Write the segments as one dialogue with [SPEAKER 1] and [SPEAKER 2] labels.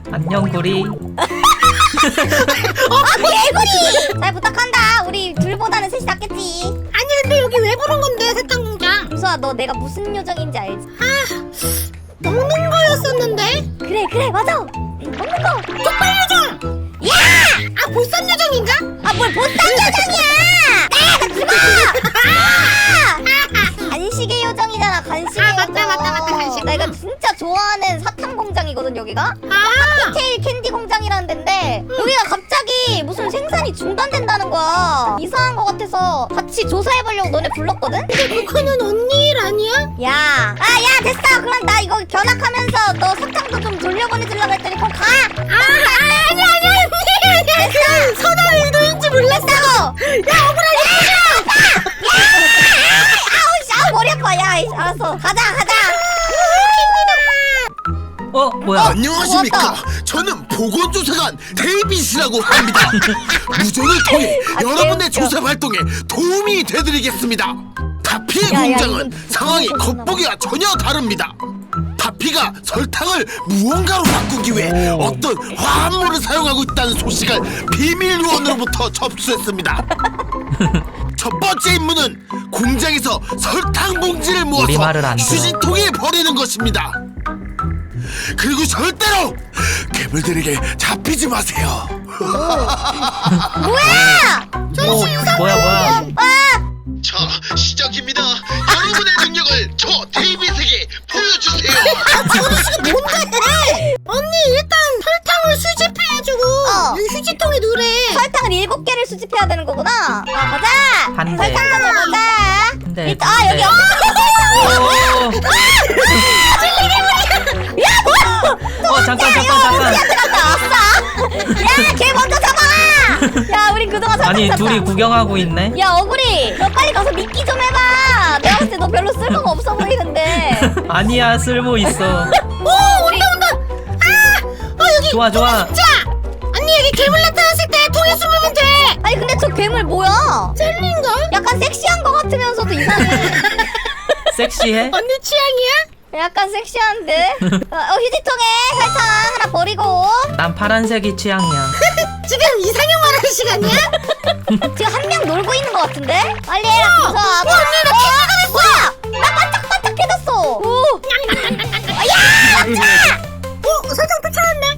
[SPEAKER 1] 안녕 구리.
[SPEAKER 2] 개구리! 잘 부탁한다. 우리 둘보다는 셋이 낫겠지.
[SPEAKER 3] 아니 근데 여기 왜 부른 건데 세탁공장?
[SPEAKER 2] 금수아, 너 내가 무슨 요정인지 알지?
[SPEAKER 3] 먹는 거였었는데?
[SPEAKER 2] 그래 맞아. 먹는 거.
[SPEAKER 3] 족발 요정!
[SPEAKER 2] 야!
[SPEAKER 3] 아 보쌈 요정인가?
[SPEAKER 2] 아 뭘 보쌈 요정이야! 나 죽어! 간식의 요정이잖아. 간식의 요정.
[SPEAKER 3] 맞다, 간식.
[SPEAKER 2] 내가 진짜 좋아하는 사탕 공장이거든 여기가. 칵테일 캔디 공장이라는 데인데 여기가 갑자기 무슨 생산이 중단된다는 거야. 이상한 거 같아서 같이 조사해보려고 너네 불렀거든?
[SPEAKER 3] 근데 그거는 언니 일 아니야?
[SPEAKER 2] 야 됐어. 그럼 나 이거 견학하면서 너 사탕도 좀 돌려보내주려고 했더니 그럼 가.
[SPEAKER 3] 아니 그 선아 의도인지 몰랐다고. 야
[SPEAKER 2] 아우 머리 아파. 야 알았어 가자.
[SPEAKER 1] 뭐야?
[SPEAKER 4] 안녕하십니까.
[SPEAKER 2] 고맙다.
[SPEAKER 4] 저는 보건조사관 데이빗이라고 합니다. 무전을 통해 여러분의
[SPEAKER 2] 개웃겨.
[SPEAKER 4] 조사 활동에 도움이 되드리겠습니다. 다피의
[SPEAKER 2] 야,
[SPEAKER 4] 공장은
[SPEAKER 2] 이건
[SPEAKER 4] 상황이
[SPEAKER 2] 무슨
[SPEAKER 4] 겉보기와 전혀 다릅니다. 다피가 설탕을 무언가로 바꾸기 위해 어떤 화합물을 사용하고 있다는 소식을 비밀 요원으로부터 접수했습니다. 첫 번째 임무는 공장에서 설탕 봉지를
[SPEAKER 1] 우리말을
[SPEAKER 4] 모아서
[SPEAKER 1] 안 들어.
[SPEAKER 4] 휴지통에 버리는 것입니다. 그리고 절대로 괴물들에게 잡히지 마세요.
[SPEAKER 2] 뭐야?
[SPEAKER 1] 뭐야?
[SPEAKER 4] 자, 시작입니다. 여러분의 능력을 저 데이빗에게 보여주세요.
[SPEAKER 3] 뭔데? 언니 일단 설탕을 수집해주고 여기 휴지통에 넣으래.
[SPEAKER 2] 설탕을 7개를 수집해야 되는 거구나. 가자.
[SPEAKER 1] 한 대.
[SPEAKER 2] 설탕 가져가자.
[SPEAKER 1] 한 대,
[SPEAKER 2] 일단
[SPEAKER 1] 두
[SPEAKER 2] 여기
[SPEAKER 1] 대. 잠깐.
[SPEAKER 2] 들어갔다. 아싸. 야걔 먼저 잡아. 야 우린 그동안 설탕
[SPEAKER 1] 아니
[SPEAKER 2] 샀다.
[SPEAKER 1] 둘이 구경하고 있네.
[SPEAKER 2] 야 어구리 너 빨리 가서 미끼 좀 해봐. 내가 봤을 때 너 별로 쓸모가 없어 보이는데.
[SPEAKER 1] 아니야 쓸모 있어.
[SPEAKER 2] 우리
[SPEAKER 3] 여기
[SPEAKER 1] 좋아.
[SPEAKER 3] 자 언니 여기 괴물 나타났을 때 통에 숨으면 돼.
[SPEAKER 2] 아니 근데 저 괴물 뭐야?
[SPEAKER 3] 젤리인가?
[SPEAKER 2] 약간 섹시한 거 같으면서도 이상해.
[SPEAKER 1] 섹시해?
[SPEAKER 3] 언니 취향이야?
[SPEAKER 2] 약간 섹시한데? 휴지통에 설탕 하나 버리고.
[SPEAKER 1] 난 파란색이 취향이야.
[SPEAKER 3] 지금 이상형 말하는 시간이야?
[SPEAKER 2] 지금 한 명 놀고 있는 거 같은데? 빨리 해라 김서아.
[SPEAKER 3] 언니 나 캔디가 됐어.
[SPEAKER 2] 뭐야? 나 반짝반짝해졌어. 오.
[SPEAKER 3] 설탕 또 찾았네.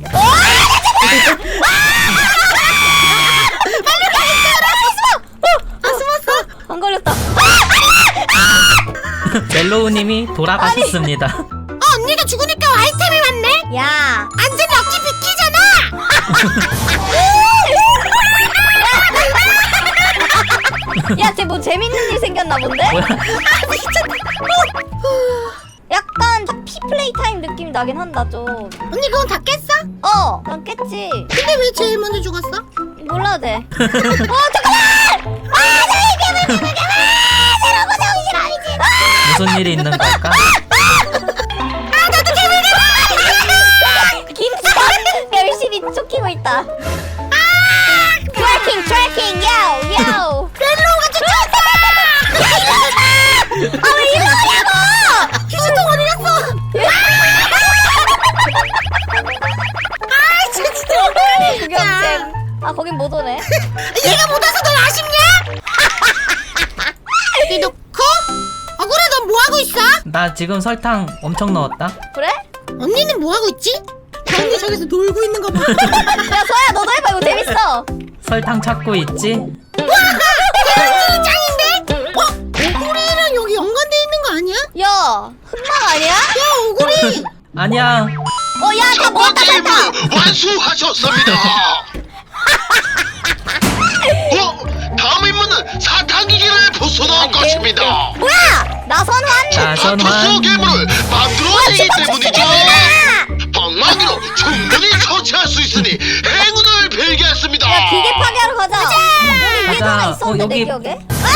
[SPEAKER 2] 안 걸렸다.
[SPEAKER 1] 멜로우님이 돌아가셨습니다.
[SPEAKER 3] 언니가 죽으니까 아이템이 많네.
[SPEAKER 2] 야.
[SPEAKER 3] 완전 럭키 비키잖아.
[SPEAKER 2] 야, 쟤 뭐 재밌는 일 생겼나 본데? 약간 피 플레이 타임 느낌 나긴 한다 좀.
[SPEAKER 3] 언니 그건 다 깼어?
[SPEAKER 2] 난 깼지.
[SPEAKER 3] 근데 왜 제일 먼저 죽었어?
[SPEAKER 2] 몰라도 돼. 잠깐만! 저기 괴물! 내려고 정신 아니지?
[SPEAKER 1] 무슨 일이 있는 걸까?
[SPEAKER 2] 김수현 열심히 쫓기고 있다. 트래킹, 야우.
[SPEAKER 3] 멜로우가 쫓아왔다.
[SPEAKER 2] 왜 이러냐고!
[SPEAKER 3] 휴지통 어디 갔어? 아 진짜
[SPEAKER 2] 구경잼. 거긴 못 오네.
[SPEAKER 3] 얘가 못 와서 널 아쉽냐? 여기 놓고 억울해 넌 뭐하고 있어?
[SPEAKER 1] 나 지금 설탕 엄청 넣었다.
[SPEAKER 2] 그래?
[SPEAKER 3] 언니는 뭐하고 있지? 언니 저기서 놀고 있는 거 봐.
[SPEAKER 2] 야, 서야 너도 해봐. 이거 재밌어.
[SPEAKER 1] 설탕 찾고 있지?
[SPEAKER 3] 대현진이 짱인데? 오구리랑 여기 연관돼 있는 거 아니야?
[SPEAKER 2] 야, 흑막 아니야?
[SPEAKER 3] 야 오구리
[SPEAKER 1] 아니야.
[SPEAKER 2] 야, 다
[SPEAKER 4] 첫
[SPEAKER 2] 모았다,
[SPEAKER 4] 번째 임무
[SPEAKER 2] 살짝.
[SPEAKER 4] 완수하셨습니다. 다음 임무는 사탕기기를 부숴놓은 것입니다.
[SPEAKER 2] 뭐야? 나선환?
[SPEAKER 1] 나선환.
[SPEAKER 4] 투수 괴물을 만들어내기 때문이죠. 방망이로 충분히 처치할 수 있으니 행운을 빌겠습니다.
[SPEAKER 2] 야, 기계 파괴하러 가자. 우리 위에도 하나
[SPEAKER 1] 가자.
[SPEAKER 2] 있었는데,
[SPEAKER 1] 여기.
[SPEAKER 2] 내 기억에.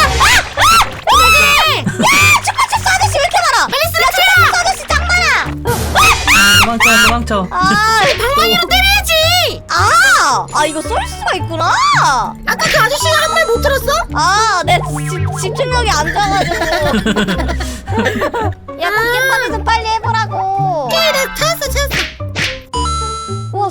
[SPEAKER 2] 야, 축구축구 아저씨 왜 이렇게 많아? 빨리 쓰라, 축구축구 아저씨 짱 많아.
[SPEAKER 1] 도망쳐.
[SPEAKER 3] 방망이로 때려야지.
[SPEAKER 2] 이거 쏠 수가 있구나.
[SPEAKER 3] 아까 그 아저씨가 한 말 못 들었어?
[SPEAKER 2] 내 집중력이 안 좋아가지고. 야, 기계 파괴 좀 빨리 해보라고.
[SPEAKER 3] 그래 찾았어
[SPEAKER 2] 우와,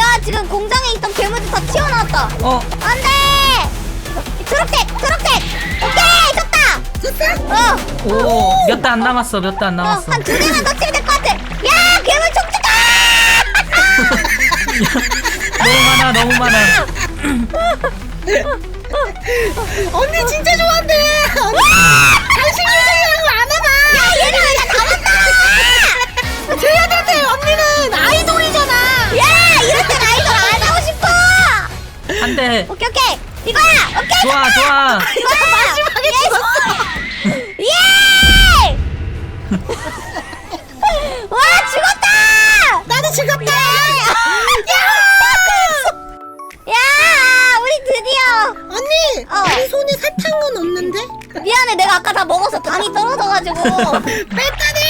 [SPEAKER 2] 야 지금 공장에 있던 괴물들 다 튀어나왔다. 안돼. 초록색. 오케이 졌다.
[SPEAKER 1] 오, 몇 대 안 남았어. 몇 대 안 남았어.
[SPEAKER 2] 한 2대만 더 치면 될 것 같아. 야 괴물 촉촉아.
[SPEAKER 1] 너무 많아.
[SPEAKER 3] 언니 진짜 좋아한대. 언니 당신 유저라고 안 해봐.
[SPEAKER 2] 야 얘는 왜 다 남았다.
[SPEAKER 3] 쟤네한테 언니는 아이돌이잖아.
[SPEAKER 2] 야 이럴 땐 아이돌 안 하고 싶어.
[SPEAKER 1] 한 대.
[SPEAKER 2] 오케이 이거야. 오케이
[SPEAKER 1] 좋아.
[SPEAKER 2] 이거야.
[SPEAKER 3] 마지막에 죽었어.
[SPEAKER 2] 예! 와 죽었다.
[SPEAKER 3] 나도 죽었다.
[SPEAKER 2] 야 우리 드디어.
[SPEAKER 3] 언니 우리 손에 사탕은 없는데?
[SPEAKER 2] 미안해 내가 아까 다 먹어서 당이 떨어져가지고.
[SPEAKER 3] 뺐다네